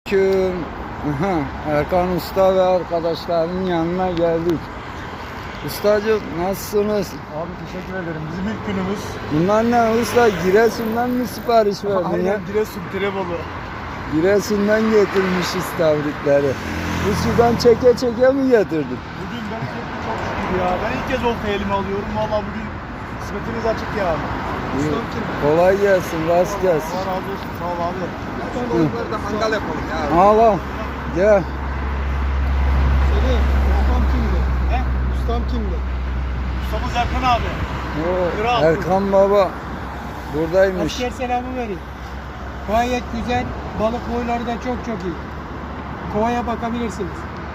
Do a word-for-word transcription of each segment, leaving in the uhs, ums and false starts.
Selamünaleyküm. Aha, Erkan Usta ve arkadaşlarının yanına geldik. Ustacığım nasılsınız? Abi teşekkür ederim. Bizim ilk günümüz. Bunlar ne usta? Giresun'dan mı sipariş verdin ya? Aynen Giresun, Tirebolu. Giresun'dan getirmiş istavritleri. Bu sudan çeke çeke mi getirdin? Bugün ben çok çok şükür ya. Ben ilk kez olta elime alıyorum. Valla bugün kısmetimiz açık ya. Ustam kim? Kolay gelsin, rast gelsin. Allah razı olsun. Sağ ol abi. Son balıkları da hangal yapalım ya. Al al. Gel. Seni, ustam kimdi? He? Ustam kimdi? Ustamız Erkan abi. Oo, Kral. Erkan Baba buradaymış. Asker selamı vereyim. Gayet güzel. Balık boyları da çok çok iyi. Kovaya bakabilirsiniz.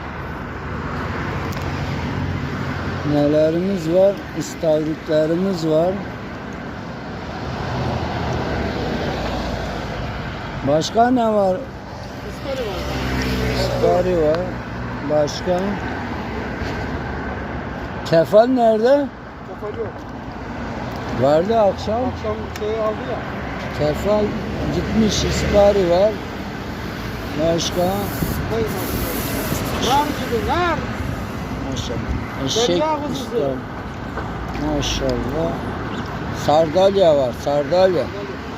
Nelerimiz var? İstavritlerimiz var. Başka ne var? Iskari var. İstari var. Başka? Kefal nerede? Kafalı yok. Vardı akşam. Akşam şeyi aldı ya. Kefal gitmiş. İstari var. Başka? Koy maşallah. Nar gibi nar. Maşallah. Eşek Derya kuzusu. İstari. Maşallah. Sardalya var. Sardalya.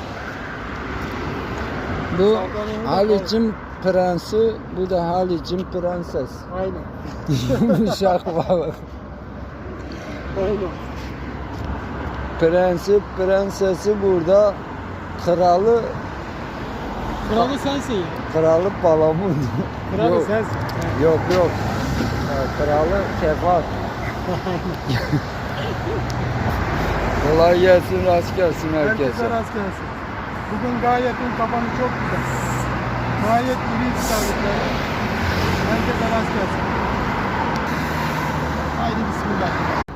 Bu Sardalya'nın da Haliç'in prensi, bu da Haliç'in prenses. Aynen. Yumuşak balık. Aynen. Prensi, prensesi burada. Kralı, Kralı sensin ya. kralı palamut. Kralı yok, sensin. yok yok. Ha, kralı kefal. Kolay gelsin, rast gelsin herkese. Herkese rast gelsin. Bugün gayetin kapanı çok güzel. Gayet iri istavritleri. Herkese rast gelsin. Haydi bismillah.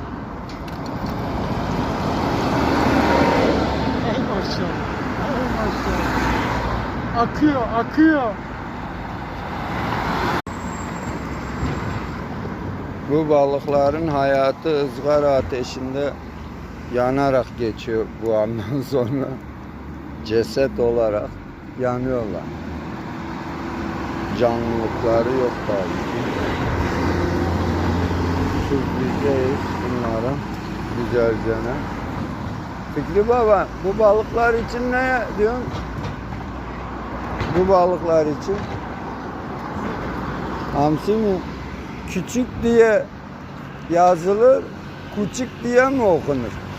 Ey maşallah. Ey maşallah. Akıyor, akıyor. Bu balıkların hayatı ızgara ateşinde yanarak geçiyor bu andan sonra. Ceset olarak yanıyorlar. Canlılıkları yok tabii. Süzleyeceğiz bunları güzelce. Fikri Baba, bu balıklar için ne diyorsun? Bu balıklar için hamsi mi? Küçük diye yazılır, küçük diye mi okunur?